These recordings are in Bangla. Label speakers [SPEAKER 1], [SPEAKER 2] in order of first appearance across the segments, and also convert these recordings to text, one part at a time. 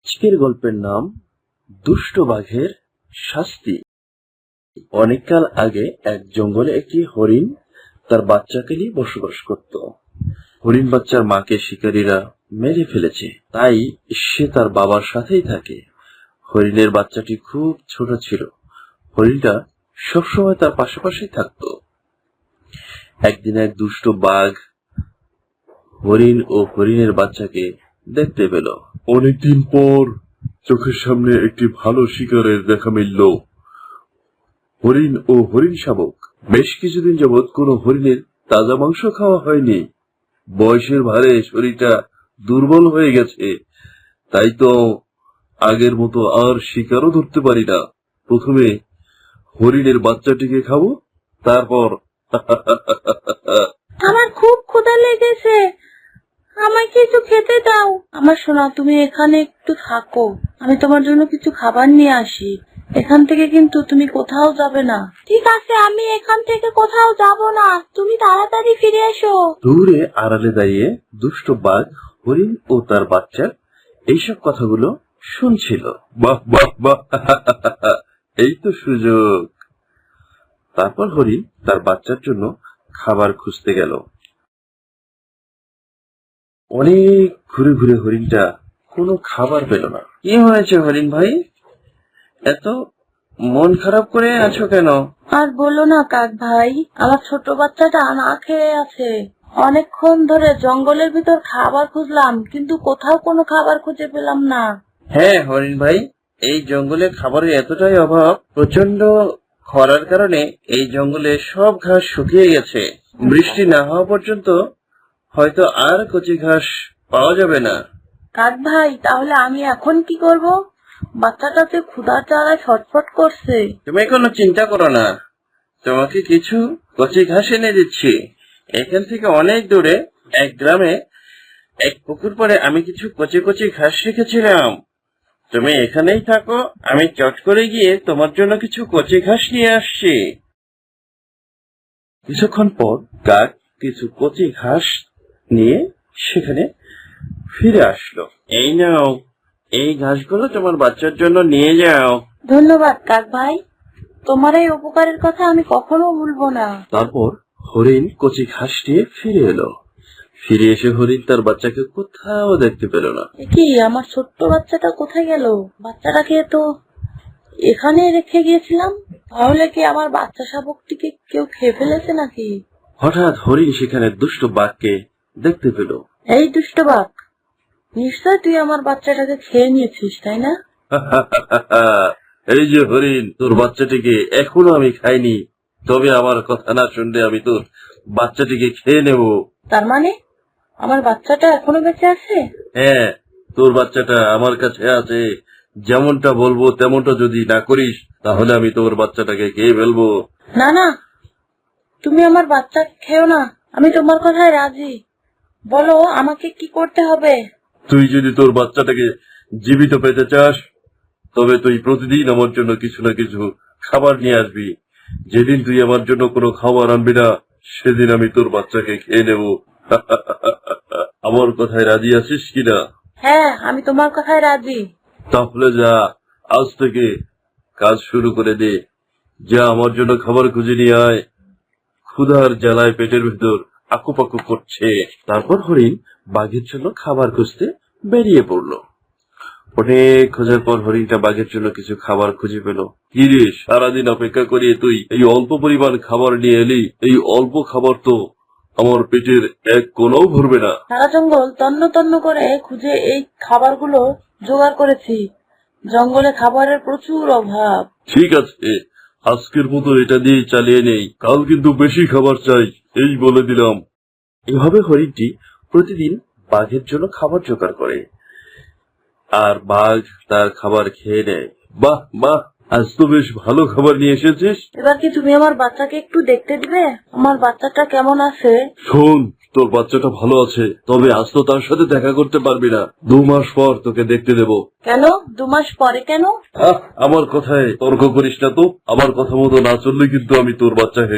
[SPEAKER 1] আজকের গল্পের নাম দুষ্ট বাঘের শাস্তি। অনেককাল আগে এক জঙ্গলে একটি হরিণ তার বাচ্চাকে নিয়ে বসবাস করত। হরিণ বাচ্চার মাকে শিকারীরা মেরে ফেলেছে, তাই সে তার বাবার সাথেই থাকে। হরিণের বাচ্চাটি খুব ছোট ছিল। হরিণটা সবসময় তার পাশাপাশি থাকত। একদিন এক দুষ্ট বাঘ হরিণ ও হরিণের বাচ্চাকে দেখতে পেল। অনেকদিন পর চোখের সামনে একটি ভালো শিকারের দেখা মিলল। হরিণ ও হরিণ শাবক বেশ কিছুদিন যাবৎ কোনো হরিণের তাজা মাংস খাওয়া হয়নি। বয়সের ভারে শরীরটা দুর্বল হয়ে গেছে, তাই তো আগের মতো আর শিকারও ধরতে পারি না। প্রথমে হরিণের বাচ্চাটিকে খাবো, তারপর
[SPEAKER 2] আমার খুব ক্ষুধা লেগেছে, আমায় কিছু খেতে দাও। আমার সোনা, তুমি এখানে একটু থাকো, আমি তোমার জন্য কিছু খাবার নিয়ে আসি। এখান থেকে কিন্তু তুমি কোথাও যাবে না। ঠিক আছে, আমি এখান থেকে কোথাও যাব না, তুমি তাড়াতাড়ি ফিরে এসো।
[SPEAKER 1] দূরে আড়ালে দাঁড়িয়ে দুষ্ট বাঘ হরিণ ও তার বাচ্চার এইসব কথাগুলো শুনছিল। বাহ বাহ বাহ, এই তো সুযোগ। তারপর হরিণ তার বাচ্চার জন্য খাবার খুঁজতে গেল। অনেক ঘুরে ঘুরে হরিণটা কোনো খাবার পেল না। কি হয়েছে হরিণ ভাই, এত মন খারাপ করে আছো কেন?
[SPEAKER 2] আর বলো না কাক ভাই, আমার ছোট বাচ্চাটা না খেয়ে আছে। অনেকক্ষণ ধরে জঙ্গলের ভিতর খাবার খুঁজলাম, কিন্তু কোথাও কোনো খাবার খুঁজে পেলাম না।
[SPEAKER 1] হ্যাঁ হরিণ ভাই, এই জঙ্গলে খাবারের এতটাই অভাব, প্রচন্ড খরার কারণে এই জঙ্গলে সব ঘাস শুকিয়ে গেছে। বৃষ্টি না হওয়া পর্যন্ত হয়তো আর কচি ঘাস পাওয়া যাবে না।
[SPEAKER 2] কাক ভাই, তাহলে আমি এখন কি করব? বাচ্চাটাতে ক্ষুধার জ্বালায় ছটফট করছে।
[SPEAKER 1] তুমি কোনো চিন্তা করো না, তোমাকে কিছু কচি ঘাস এনে দিচ্ছি। এখান থেকে অনেক দূরে এক গ্রামে এক পুকুর পাড়ে আমি কিছু কচি কচি ঘাস রেখেছিলাম। তুমি এখানেই থাকো, আমি চট করে গিয়ে তোমার জন্য কিছু কচি ঘাস নিয়ে আসছি। কিছুক্ষণ পর কাক কিছু কচি ঘাস নিয়ে সেখানে ফিরে আসলো। এই নাও, এই ঘাসগুলো তোমার বাচ্চার জন্য নিয়ে যাও।
[SPEAKER 2] ধন্যবাদ কাক ভাই, তোমার এই উপকারের কথা আমি কখনো ভুলবো না।
[SPEAKER 1] তারপর হরিণ কচি ঘাস নিয়ে ফিরে এলো। ফিরে এসে হরিণ তার বাচ্চাকে কোথাও দেখতে পেল না।
[SPEAKER 2] কি, আমার ছোট্ট বাচ্চাটা কোথায় গেল? বাচ্চাটাকে তো এখানে রেখে গিয়েছিলাম। তাহলে কি আমার বাচ্চা শাবকটিকে কেউ খেয়ে ফেলেছে নাকি?
[SPEAKER 1] হঠাৎ হরিণ সেখানে দুষ্ট বাঘকে দেখতে পেল।
[SPEAKER 2] এই দুষ্ট বাঘ, নিশ্চয় তুই আমার বাচ্চাটাকে খেয়ে নিয়েছিস, তাই না?
[SPEAKER 1] এই যে হরিণ, তোর বাচ্চাটিকে এখনো আমি খাইনি, তবে আমার কথা না শুনলে আমি তোর বাচ্চাটিকে খেয়ে নেব।
[SPEAKER 2] তার মানে আমার বাচ্চাটা এখনো বেঁচে আছে?
[SPEAKER 1] হ্যাঁ, তোর বাচ্চাটা আমার কাছে আছে। যেমনটা বলবো তেমনটা যদি না করিস, তাহলে আমি তোর বাচ্চাটাকে খেয়ে ফেলবো।
[SPEAKER 2] না না, তুমি আমার বাচ্চা খেও না, আমি তোমার কথায় রাজি। বলো আমাকে কি করতে হবে?
[SPEAKER 1] তুই যদি তোর বাচ্চাটাকে জীবিত পেতে চাস, তবে তুই প্রতিদিন আমার জন্য কিছু না কিছু খাবার নিয়ে আসবি। যেদিন তুই আমার জন্য কোনো খাবার আনবি না, সেদিন আমি তোর বাচ্চাকে খেয়ে নেব। আমার কথায় রাজি আছিস কিনা?
[SPEAKER 2] হ্যাঁ, আমি তোমার কথায় রাজি।
[SPEAKER 1] তাহলে যা, আজ থেকে কাজ শুরু করে দে। যা, আমার জন্য খাবার খুঁজে নিয়ে আয়। ক্ষুধার জ্বালায় পেটের ভেতর আকুপাকু করছে। তারপর হরিণ বাঘের জন্য খাবার খুঁজতে বেরিয়ে পড়ল। অনেক খোঁজার পর হরিণটা বাঘের জন্য কিছু খাবার খুঁজে পেল। কি রে, সারাদিন অপেক্ষা করিয়ে তুই এই অল্প পরিমাণ খাবার নিয়ে এলি? এই অল্প খাবার তো আমার পেটের এক কোণাও ভরবে না।
[SPEAKER 2] সারা জঙ্গল তন্ন তন্ন করে খুঁজে এই খাবারগুলো জোগাড় করেছি। জঙ্গলে খাবারের প্রচুর অভাব।
[SPEAKER 1] ঠিক আছে, আজকের মতো এটা দিয়ে চালিয়ে নেই, কাল কিন্তু বেশি খাবার চাই, এই বলে দিলাম। এভাবে হরিণটি প্রতিদিন বাঘের জন্য খাবার জোগাড় করে, আর বাঘ তার খাবার খেয়ে নেয়। বাহ বাহ, আজ তো বেশ ভালো খাবার নিয়ে এসেছিস।
[SPEAKER 2] এবার কি তুমি আমার বাচ্চাকে একটু দেখতে দিবে? আমার বাচ্চাটা কেমন আছে?
[SPEAKER 1] শোন, তোর বাচ্চাটা ভালো আছে, তবে আজ তো তার সাথে দেখা করতে পারবি না। 2 মাস পর তোকে দেখতে দেব।
[SPEAKER 2] কেন 2 মাস পরে? কেন?
[SPEAKER 1] আমার কথায় তর্ক করিস না তো। আমার কথা মতো না চললে কিন্তু আমি তোর বাচ্চাকে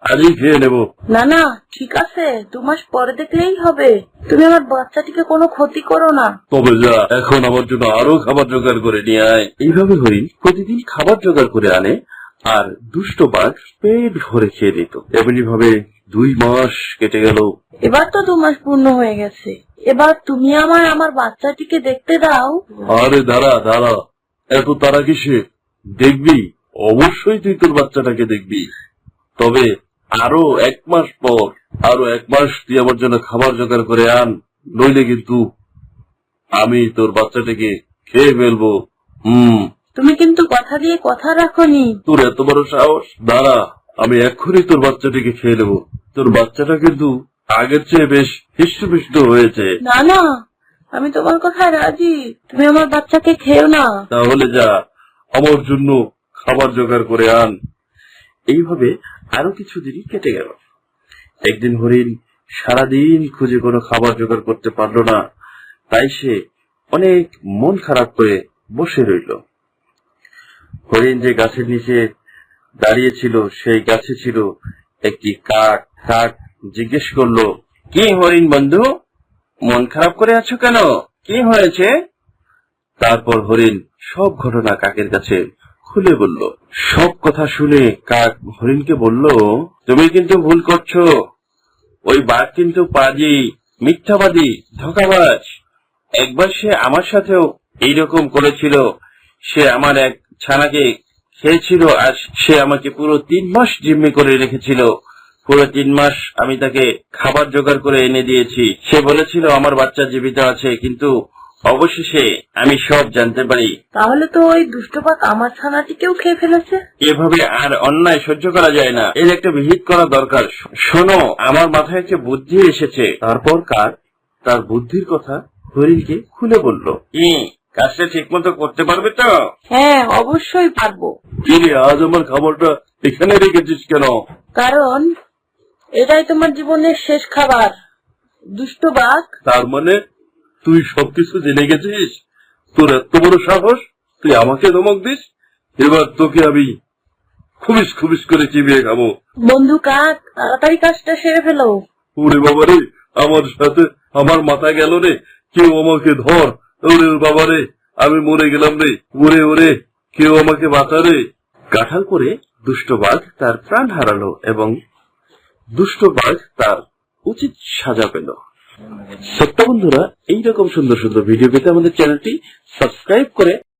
[SPEAKER 1] আজই খেয়ে নেব।
[SPEAKER 2] না না, ঠিক আছে, 2 মাস পরে দেখলেই হবে। তুমি আমার বাচ্চাটিকে কোনো ক্ষতি করো না।
[SPEAKER 1] তবে যা, এখন আমার জন্য আরো খাবার জোগাড় করে নিয়ে আয়। এইভাবে হরিণ প্রতিদিন খাবার জোগাড় করে আনে, আর দুষ্ট বাঘ পেট ভরে খেয়ে নিত। এমনি ভাবে 2 মাস কেটে গেল।
[SPEAKER 2] এবার তো 2 মাস পূর্ণ হয়ে গেছে। এবার তুমি আমার বাচ্চাটিকে দেখতে দাও।
[SPEAKER 1] আরে দাঁড়া দাঁড়া, এত তারা কিসে? দেখবি, অবশ্যই তুই তোর বাচ্চাটাকে দেখবি। তবে আরো 1 মাস পর, আরো 1 মাস তুই আমার জন্য খাবার জোগাড় করে আন, নইলে কিন্তু আমি তোর বাচ্চাটাকে খেয়ে ফেলবো।
[SPEAKER 2] তুমি কিন্তু কথা দিয়ে কথা রাখোনি।
[SPEAKER 1] তোর এত বড় সাহস! দাঁড়া, আমি এক্ষুনি তোর বাচ্চাটাকে খেয়ে নেবো। তোর বাচ্চাটা কিন্তু আগের চেয়ে বেশ হৃষ্টপুষ্ট হয়েছে।
[SPEAKER 2] না না, আমি তোমার কথায় রাজি। তুমি আমার বাচ্চাকে খেও না।
[SPEAKER 1] তাহলে যা, আমার জন্য খাবার জোগাড় করে আন। এইভাবে আরো কিছুদিনই কেটে গেল। একদিন হরিণ সারাদিন খুঁজে কোনো খাবার জোগাড় করতে পারল না, তাই সে অনেক মন খারাপ করে বসে রইল। হরিণ যে গাছের নিচে দাঁড়িয়েছিল, সেই গাছে ছিল একটি কাক। কাক জিজ্ঞেস করলো, কি হরিণ বন্ধু, মন খারাপ করে আছো কেন? কি হয়েছে? তারপর হরিণ সব ঘটনা কাকের কাছে খুলে বলল। সব কথা শুনে কাক হরিণকে বলল, তুমি কিন্তু ভুল করছো। ওই বাঘ কিন্তু পাজি, মিথ্যাবাদী, ধোঁকাবাজ। একবার সে আমার সাথেও এইরকম করেছিল। সে আমার এক ছানাকে খেয়েছিল, আর সে আমাকে পুরো 3 মাস জিম্মি করে রেখেছিল। পুরো 3 মাস আমি তাকে খাবার জোগাড় করে এনে দিয়েছি। সে বলেছিল আমার বাচ্চা জীবিত আছে, কিন্তু অবশেষে আমি সব জানতে পারি।
[SPEAKER 2] তাহলে তো ওই দুষ্ট বাঘ আমার ছানাটিকেও খেয়ে ফেলেছে।
[SPEAKER 1] এভাবে আর অন্যায় সহ্য করা যায় না, এর একটা বিহিত করা দরকার। শোনো, আমার মাথায় একটা বুদ্ধি এসেছে। তারপর কাক তার বুদ্ধির কথা হরিণকে খুলে বলল। কাজটা ঠিক মতো করতে পারবে তো?
[SPEAKER 2] হ্যাঁ, অবশ্যই পারবো।
[SPEAKER 1] কি রে, আজ আমার খাবারটা এখানে রেখেছিস কেন?
[SPEAKER 2] কারণ এটাই তোমার জীবনের শেষ খাবার, দুষ্ট বাঘ।
[SPEAKER 1] তার মানে তুই সবকিছু জেনে গেছিস? তোর এত বড় সাহস, তুই আমাকে ধমক দিস? এবার তোকে আমি খুবিস খুবিস করে চিবিয়ে খাবো।
[SPEAKER 2] বন্ধু কাক, তাড়াতাড়ি কাজটা সেরে ফেলো।
[SPEAKER 1] ওরে বাবারে, আমার সাথে আমার মাথা গেল রে, কেউ আমাকে ধর। ওরে বাবারে, আমি মরে গেলাম রে। ওরে ওরে, কেউ আমাকে বাঁচা রে। কাঁঠাল করে দুষ্ট বাঘ তার প্রাণ হারালো, এবং দুষ্ট বাঘ তার উচিত সাজা পেল। সত্য বন্ধুরা, এইরকম সুন্দর সুন্দর ভিডিও পেতে আমাদের চ্যানেলটি সাবস্ক্রাইব করে